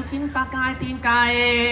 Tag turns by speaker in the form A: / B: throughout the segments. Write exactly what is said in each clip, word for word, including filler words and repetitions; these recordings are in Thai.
A: กชิ้นปลากายตีนไก่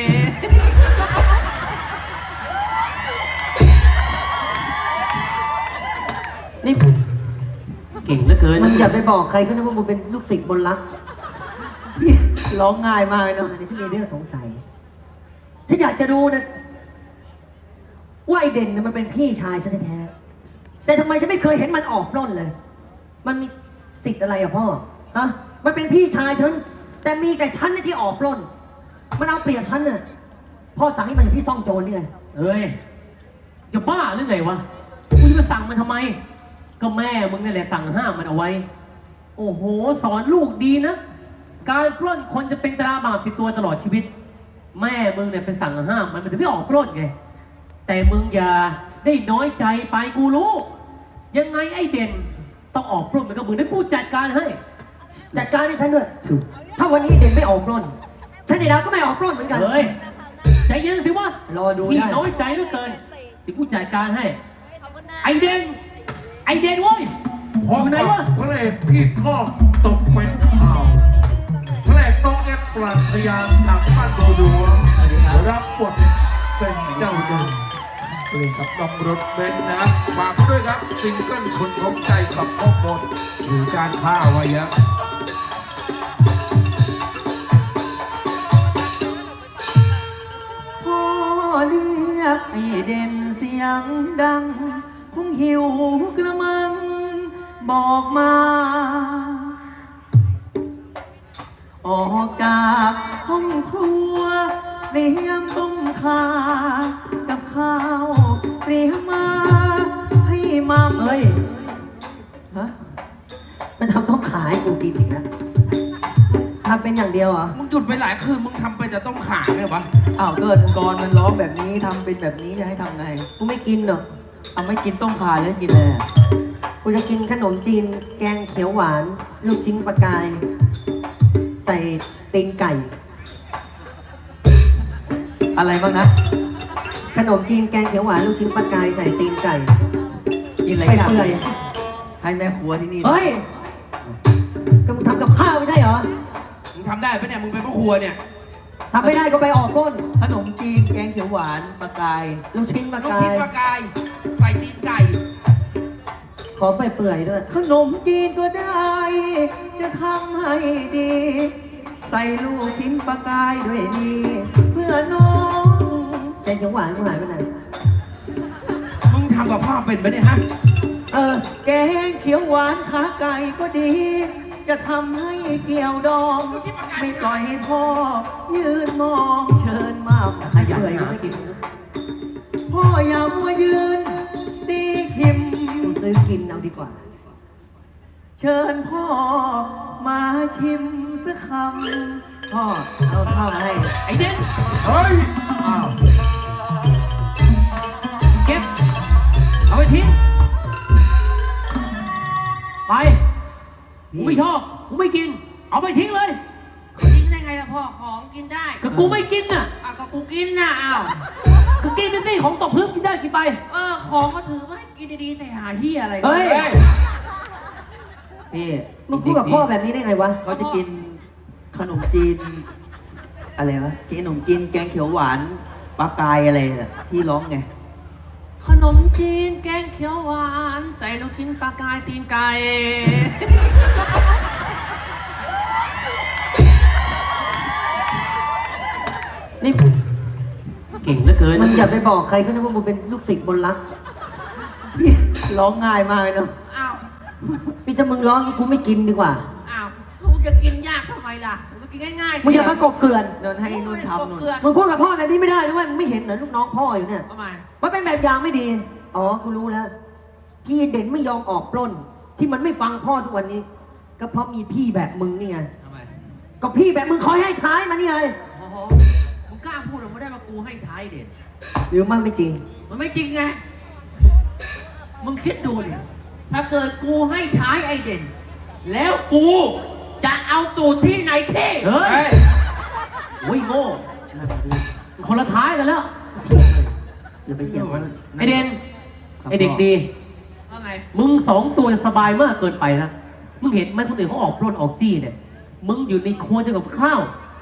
B: นี่
A: เก่งเหลือเกิน
B: มึงอย่าไปบอกใครก็นะว่ามึงเป็นลูกศิษย์บนรักร้องง่ายมากเลยเนาะเดี๋ยวฉันมีเรื่องสงสัยฉันอยากจะดูนะว่าไอเด่นเนี่ยมันเป็นพี่ชายฉันแท้ๆแต่ทำไมฉันไม่เคยเห็นมันออกปล้นเลยมันมีสิทธิ์อะไรอะพ่อฮะมันเป็นพี่ชายฉันแต่มีแต่ฉันเนี่ยที่ออกปล้นมันเอาเปรียบฉันน่ะพ่อสั่งให้มันอยู่ที่ซ่องโจรนี่ไง
A: เอ้ยจะบ้าหรือไงวะกูจะมาสั่งมันทำไมก็แม่มึงนี่แหละสั่งห้ามมันเอาไว้โอ้โหสอนลูกดีนะการปล้นคนจะเป็นตราบาปติดตัวตลอดชีวิตแม่มึงเนี่ยไปสั่งห้ามมันมันจะไม่ออกปล้นไงแต่มึงอย่าได้น้อยใจไปกูรู้ยังไงไอ้เด่นต้องออกปล้นมันก็มึงได้กูจัดการให้
B: จัดการให้ฉันด้วยถ้าวันนี้เด่นไม่ออกปล้นฉันในดาวก็ไม่ออกปล้นเหมือนกัน
A: เฮ้ยใจเย็นสิวะ
B: รอดูได้
A: ที่น้อยใจเหลือเกินเดี๋ยวกูจัดการให้ไอเด่นไอเด่นเว้ยอยู่ไหนวะ
C: พระเอกพี่ทอดตกเป็นข่าวพระเอกต้องเอ็ดปรัชญาจากบ้านโดดัวรับบทเป็นเจ้าเด่นเล่นกับน้องรถเบนซ์นะฝากด้วยครับซิงเกิลคนพบใจกับพ่อมดหรือการฆ่าไว้เยอะ
B: พ่อเรียกไอเด่นเสียงดังคงหิวกระมังบอกมาออกจากห้องครัวเตรียมต้มข่ากับข้าวเตรียมมาให้มัมเฮ้ยฮะมันทำต้มขาให้กูกินอีกนะทำเป็นอย่างเดียวเหรอ
D: มึงหยุดไปหลายคืนมึงทำไปแต่ต้มขาเนี่ยวะ
B: อ้าวเกิดกรมันร้องแบบนี้ทำเป็นแบบนี้จะให้ทำไงกูไม่กินหรอกเอาไม่กินต้มขาแล้วกินอะไรกูจะกินขนมจีนแกงเขียวหวานลูกชิ้นปลากายใส่ตีนไก่อะไรบ้างนะขนมจีนแกงเขียวหวานลูกชิ้นปลากายใส่ตีนไก่กินอะไรกันเปื่อยให้แม่ครัวที่นี่เฮ้ยก็มึงทำกับข้าวไม่ใช่เหรอ
D: มึงทำได้ปะเนี่ยมึงเป็นพ่อครัวเนี่ย
B: ทำไม่ได้ก็ไปออกร่นขนมจีนแกงเขียวหวานปลากายลูกชิ้นปลากาย
D: ลูกชิ้นปลากายใส่ตีนไก่
B: ขอไปเปื่อยด้วยขนมจีนก็ได้จะทำให้ดีใส่ลูกชิ้นปลากายด้วยนี่เพื่อน้องแกงเขียวหวานกูหายไปไหน
D: มึงทำกับข้าวเป็นปะเนี่ยฮะ
B: เออแกงเขียวหวานขาไก่ก็ดีจะทำให้เกี่ยวดองไม่ปล่อยให้พ่อยืนมองเชิญมาขยันก็ไม่กินพ่ออย่ามัวยืนตีขิมซื้อกินเอาดีกว่าเชิญพ่อมาชิมสักคำพ่อเอาข้าวให้
A: ไอเด่น
C: เฮ้ยอ้าว
A: เก็บเอาไปทิ้งไปกูไม่ชอบกูไม่กินเอาไปทิ้งเลย
E: ทิ้งได้ไงล่ะพ่อของกินได้
A: ก็กูไม่กินน่ะ
E: อ้าวก็กูกินน่ะอ้าว
A: กูกินเป็นสิของตกพื้นกินได้กินไป
E: เออของก็ถือว่าให้กินดีๆแต่หาเหี้ยอะไร
B: เฮ้ยพี่มึงพูดกับพ่อแบบนี้ได้ไงวะเขาจะกินขนมจีนอะไรวะกินขนมจีนแกงเขียวหวานปลากายอะไรที่ร้องไง
E: ขนมจีนแกงเขียวหวานใส่ลูกชิ้นปลากายตีนไก่
B: นี่
A: เก่งเหลือเกิน
B: มึงอย่าไปบอกใครก็นะว่ามึงเป็นลูกศิษย์บนรักร้องง่ายมากเลยเนาะ
E: อ้าว
B: พี่ถ้ามึงร้องอีกกูไม่กินดีกว่า
E: อ้าวมึงจะกินยากทำไมล่ะมึงกินง่ายๆ
B: มึงอย่ามากบเกลื่อนเดินให้นุ่นทำนุ่นมึงพูดกับพ่อแบบนี้ไม่ได้ด้วยมึงไม่เห็นเหรอลูกน้องพ่ออยู่เนี่ย
E: ทำไม
B: มันเป็นแบบอย่างไม่ดีอ๋อกูรู้แล้วที่เด่นไม่ยอมออกปล้นที่มันไม่ฟังพ่อทุกวันนี้ก็เพราะมีพี่แบบมึงนี่ไง
E: ทำไม
B: ก็พี่แบบมึงคอยให้ท้ายมานี่ไง
E: โอ้โหมึงกล้าพูดหรือไม่ได้มากูให้ท้ายเด่น
B: หรือมันไม่จริง
E: มันไม่จริงไงมึงคิดดูดิถ้าเกิดกูให้ท้ายไอเด่นแล้วกูจะเอาตูดที่ไหนเท่
A: เฮ้ยโอ้ยโง่คนละท้ายกันแล้ว
B: อย่าไปเถียงมัน
A: ไอเด่นไอเด็กดี
E: ว่าไง
A: มึงสองตัวสบายมากเกินไปนะมึงเห็นไหมคนอื่นเขาออกปล้นออกจี้เนี่ยมึงอยู่ในครัวจะกับข้าว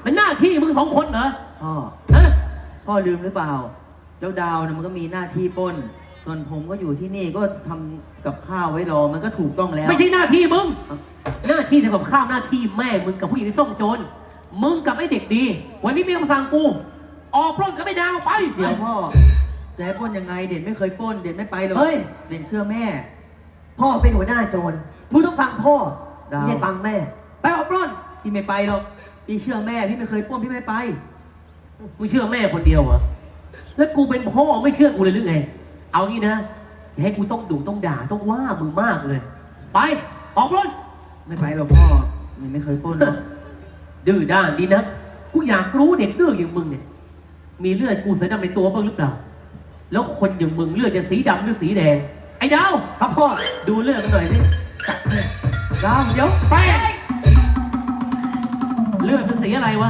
A: มันหน้าที่มึงสองคนเหรอ
B: พ่อ
A: ฮะ
B: พ่อลืมหรือเปล่า เจ้าดาวเนี่ยมันก็มีหน้าที่ปล้น ส่วนผมก็อยู่ที่นี่ก็ทำกับข้าวไว้รอ มันก็ถูกต้องแล้ว
A: ไม่ใช่หน้าที่มึง หน้าที่ทำกับข้าวหน้าที่แม่มึงกับผู้หญิงที่ส่งโจร มึงกับไอ้เด็กดี วันนี้มีคำสั่งกู ออกปล้นกับไอ้ดาวไป
B: เดี๋ยวพ่อจะให้ปล้นยังไง เด่นไม่เคยปล้น เด่นไม่ไปหรอก
F: เฮ้ย
B: เด่นเชื่อแม่
F: พ่อเป็นหัวหน้าโจรมึงต้องฟังพ่อ
B: ดาว
F: ไม่ใช่ฟังแม่ ไปออกปล้น
B: พี่ไม่ไปหรอก พี่เชื่อแม่ พี่ไม่เคยปล้น พี่ไม่ไป
A: มึงเชื่อแม่คนเดียวเหรอ แล้วกูเป็นพ่อไม่เชื่อกูเลยหรือไง เอางี้นะอย่าให้กูต้องดุต้องด่าต้องว่ามึงมากเลย ไป ออกปล้น
B: ไม่ไปหรอกพ่อมันไม่เคยปล้นหรอก
A: ดื้อด้านดีนะ กูอยากรู้เด็กดื้ออย่างมึงเนี่ย มีเลือดกูเสือดำในตัวบ้างหรือเปล่า แล้วคนอย่างมึงเลือดจะสีดำหรือสีแดง ไอ้ดาว
F: ครับพ่อ
A: ดูเลือดกันหน่อยสิ
B: ดาวเดี๋ยว
A: ไป เลือดเป็นสีอะไรวะ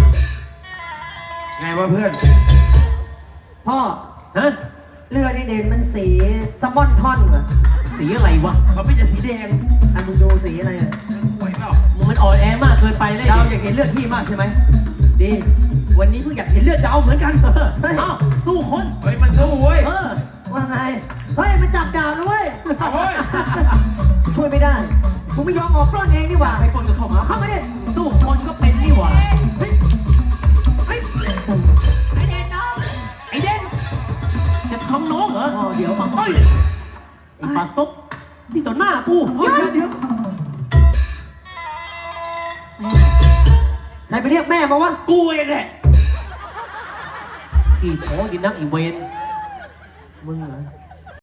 D: ไงวะเพื่อน
F: พ่อ
A: ฮะ
F: เลือดในเด่นมันสีสมอนทอนอะ
A: สีอะไรวะ
D: เขาไม่จะสีแดง
F: อันมึงดูสีอะไรอะ
D: หวยเปล่า
A: มึงมันอ่อนแอมากเกินไปเลย
B: ดาวอยากเห็นเลือดพี่มากใช่ไหม ดี วันนี้เพิ่งอยากเห็นเลือดดาวเหมือนกัน
A: เฮ้ยเอ้าสู้คน
D: เฮ้ยมันสู้เว้ย
A: เออ
F: ว่าไง เฮ้ยมันจับดาบนะเว้ย
D: เอาเว้ย
F: ช่วยไม่ได้กูไม่ยอมออกปล้นเองดีกว่า
B: ให้ปล้นก็เข้ามา
F: เข้ามาดิ
A: สู้คนก็เป็นนี่หว่า
F: เฮ้ยเฮ้ย
A: ไอเด่นน้องไอเด่นจะทำน้องเหรอ
F: พ่อเดี๋ยว
A: เฮ้ยไอปลาซบที่ต่อหน้ากู
B: เดี๋ยวเดี๋ยว
F: ใครไปเรียกแม่มาวะ
A: กูเองแหละขี่โถกินนักอีเวน
F: มึงเหรอ